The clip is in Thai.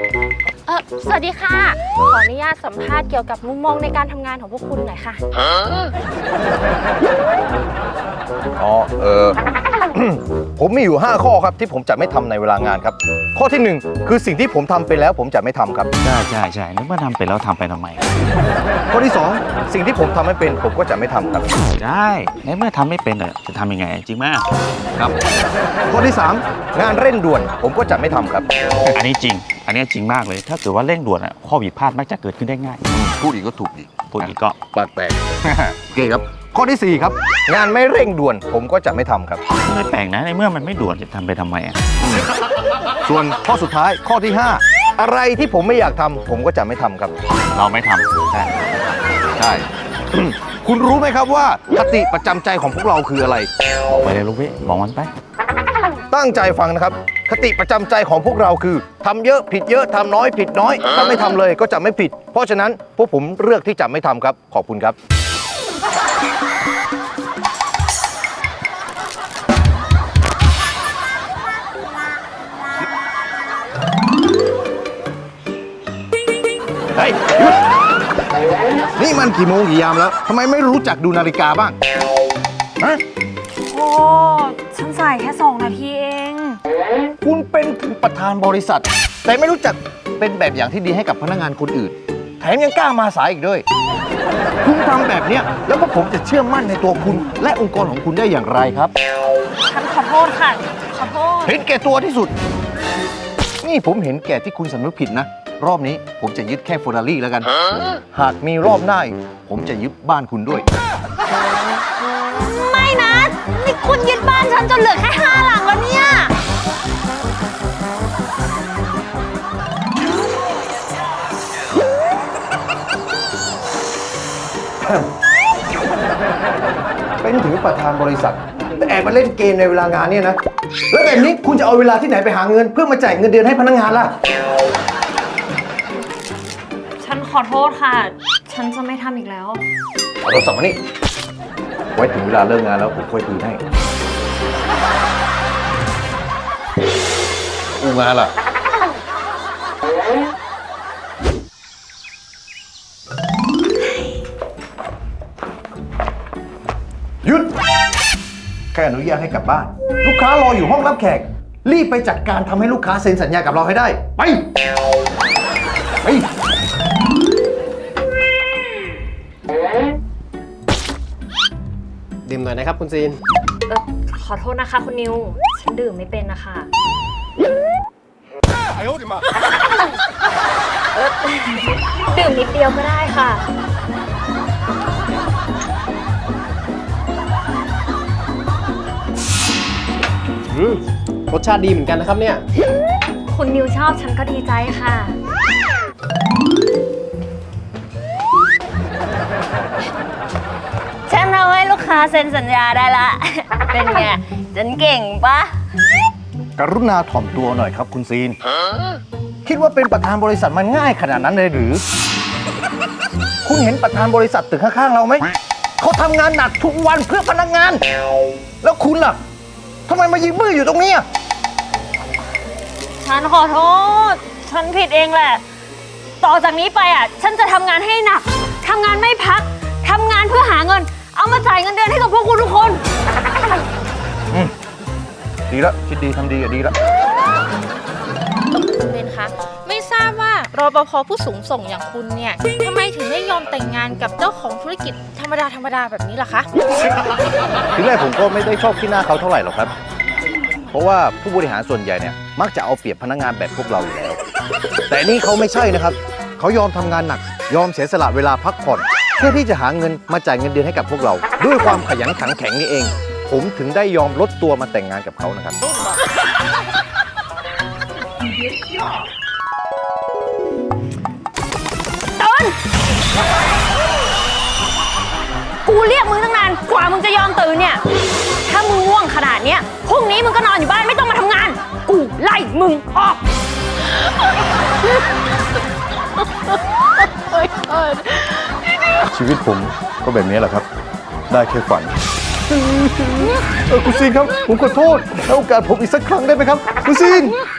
สวัสดีค่ะขออนุญาตสัมภาษณ์เกี่ยวกับมุมมองในการทำงานของพวกคุณหน่อยค่ะอ๋อผมมีอยู่5ข้อครับที่ผมจะไม่ทำในเวลางานครับข้อที่1คือสิ่งที่ผมทำไปแล้วผมจะไม่ทำครับใช่นึกว่าทำไปแล้วทำไปทำไมข้อที่2สิ่งที่ผมทำไม่เป็นผมก็จะไม่ทำครับได้ในเมื่อทำไม่เป็นจะทำยังไงจริงไหมครับข้อที่3งานเร่งด่วนผมก็จะไม่ทำครับอันนี้จริงมากเลยถ้าเกิดว่าเร่งด่วนข้อผิดพลาดมักจะเกิดขึ้นได้ง่ายพูดอีกก็ถูกอีกพูดอีกก็ปากแตกโอเคครับข้อที่4ครับงานไม่เร่งด่วนผมก็จะไม่ทำครับไม่แปลกนะในเมื่อมันไม่ด่วนจะทำไปทำไมส่วนข้อสุดท้ายข้อที่5อะไรที่ผมไม่อยากทำผมก็จะไม่ทำครับเราไม่ทำใช่ คุณรู้ไหมครับว่าคติประจำใจของพวกเราคืออะไรบอกไปเลยลูกพี่บอกมันไปตั้งใจฟังนะครับคติประจำใจของพวกเราคือทำเยอะผิดเยอะทำน้อยผิดน้อยถ้าไม่ทำเลยก็จะไม่ผิดเพราะฉะนั้นพวกผมเลือกที่จะไม่ทำครับขอบคุณครับเฮ้ยหยุดนี่มันกี่โมงกี่ยามแล้วทำไมไม่รู้จักดูนาฬิกาบ้างฮะโอ้ฉันใส่แค่2 นาทีเองคุณเป็นถึงประธานบริษัทแต่ไม่รู้จักเป็นแบบอย่างที่ดีให้กับพนักงานคนอื่นแถมยังกล้ามาสายอีกด้วยคุณทำแบบนี้แล้วพวกผมจะเชื่อมั่นในตัวคุณและองค์กรของคุณได้อย่างไรครับฉันขอโทษค่ะขอโทษเห็นแก่ตัวที่สุดนี่ผมเห็นแก่ที่คุณสำนึกผิดนะรอบนี้ผมจะยึดแค่เฟอร์รารี่แล้วกันหากมีรอบหน้าผมจะยึดบ้านคุณด้วยไม่นะนี่คุณยึดบ้านฉันจนเหลือแค่5 หลังแล้วเนี่ยเป็นถึงประธานบริษัทแต่แอบมาเล่นเกมในเวลางานเนี่ยนะแล้วแบบนี้คุณจะเอาเวลาที่ไหนไปหาเงินเพื่อมาจ่ายเงินเดือนให้พนักงานล่ะฉันขอโทษค่ะฉันจะไม่ทำอีกแล้วเอาโทรศัพท์มานี่ไว้ถึงเวลาเลิกงานแล้วผมค่อยคืนให้อูงานล่ะหยุดแค่อนุญาตให้กลับบ้านลูกค้ารออยู่ห้องรับแขกรีบไปจัดการทำให้ลูกค้าเซ็นสัญญากับเราให้ได้ไปดื่มหน่อยนะครับคุณซีนขอโทษนะคะคุณนิวฉันดื่มไม่เป็นนะคะดื่มนิดเดียวก็ได้ค่ะรสชาติดีเหมือนกันนะครับเนี่ยคุณนิวชอบฉันก็ดีใจค่ะฉันเอาให้ลูกค้าเซ็นสัญญาได้ละเป็นไงฉันเก่งปะกรุณาถ่อมตัวหน่อยครับคุณซีนคิดว่าเป็นประธานบริษัทมันง่ายขนาดนั้นเลยหรือคุณเห็นประธานบริษัทตึกข้างๆเราไหมเขาทำงานหนักทุกวันเพื่อพนักงานแล้วคุณล่ะทำไมมายืนบื้ออยู่ตรงนี้ฉันขอโทษฉันผิดเองแหละต่อจากนี้ไปฉันจะทำงานให้หนักทำงานไม่พักทำงานเพื่อหาเงินเอามาจ่ายเงินเดือนให้กับพวกคุณทุกคนดีแล้วคิดดีทำดีดีแล้วคุณเบนคะไม่ทราบว่ารปภ.ผู้สูงส่งอย่างคุณเนี่ยทำไมถึงได้ยอมแต่งงานกับเจ้าของธุรกิจธรรมดาแบบนี้ล่ะคะทีแรกผมก็ไม่ได้ชอบขี้หน้าเขาเท่าไหร่หรอกครับเพราะว่าผู้บริหารส่วนใหญ่เนี่ยมักจะเอาเปรียบพนักงานแบบพวกเราอยู่แล้วแต่นี่เขาไม่ใช่นะครับเขายอมทำงานหนักยอมเสียสละเวลาพักผ่อนเพื่อที่จะหาเงินมาจ่ายเงินเดือนให้กับพวกเราด้วยความขยันขันแข็งนี่เองผมถึงได้ยอมลดตัวมาแต่งงานกับเขานะครับต้นกูเรียกมึงตั้งนานกว่ามึงจะยอมตื่นเนี่ยถ้ามึงง่วงขนาดเนี้ยพรุ่งนี้มึงก็นอนอยู่บ้านไม่ต้องมาทำงานกูไล่มึงออกชีวิตผมก็แบบนี้แหละครับได้แค่ฝันคุณซีนครับผมขอโทษให้โอกาสผมอีกสักครั้งได้ไหมครับคุณซีน